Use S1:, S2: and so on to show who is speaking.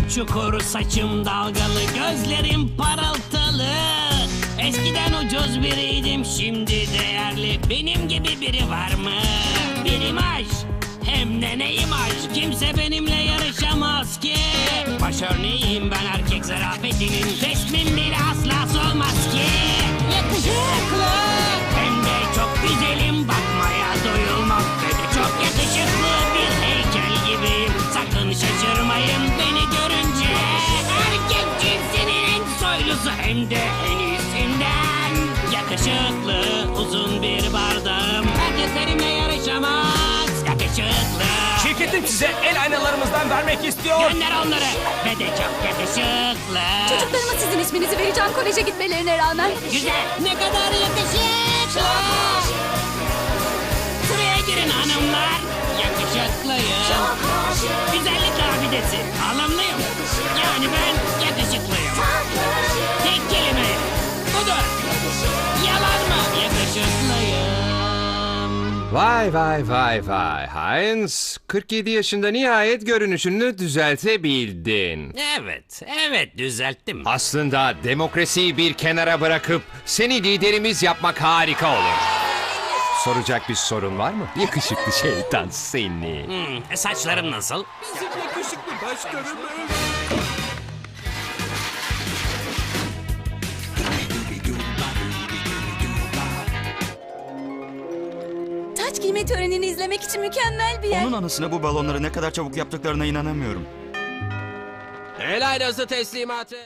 S1: çukur, saçım dalgalı, gözlerim parıltılı. Eskiden ucuz biriydim, şimdi değerli. Benim gibi biri var mı? Bir imaj, hem de ne imaj? Kimse benimle yarışamaz ki. Baş örneğiyim ben erkek zarafetinin. Resmim bile asla solmaz ki. Yakışıklı, hem de çok güzelim. Bakmaya doyulmaz ve de çok yakışıklı bir heykel gibiyim. Sakın şaşırmayın beni görünce. Erkek cinsinin en soylusu, hem de en iyisinden. Yakışıklı, uzun bir bardağım. Herkes benimle yarışamaz. Yakışıklı.
S2: Şirketim size el aynalarımızdan vermek istiyor.
S1: Gönder onları. Ve de çok yakışıklı.
S3: Çocuklarıma sizin isminizi vereceğim koleje gitmelerine rağmen.
S1: Güzel. Ne kadar yakışıklı. Sıraya girin hanımlar. Yakışıklıyım. Güzellik abidesi. Alımlıyım. Yani ben yakışıklıyım. Tek kelime. Budur. Yalan mı? Yakışıklıyım.
S4: Vay vay vay vay Heinz. 47 yaşında nihayet görünüşünü düzeltebildin.
S1: Evet düzelttim.
S4: Aslında demokrasiyi bir kenara bırakıp seni liderimiz yapmak harika olur. Soracak bir sorun var mı? Yakışıklı şeytan seni.
S1: Saçlarım nasıl?
S3: Taç giyme törenini izlemek için mükemmel bir yer.
S5: Onun anısına bu balonları ne kadar çabuk yaptıklarına inanamıyorum.
S2: El aynası teslimatı.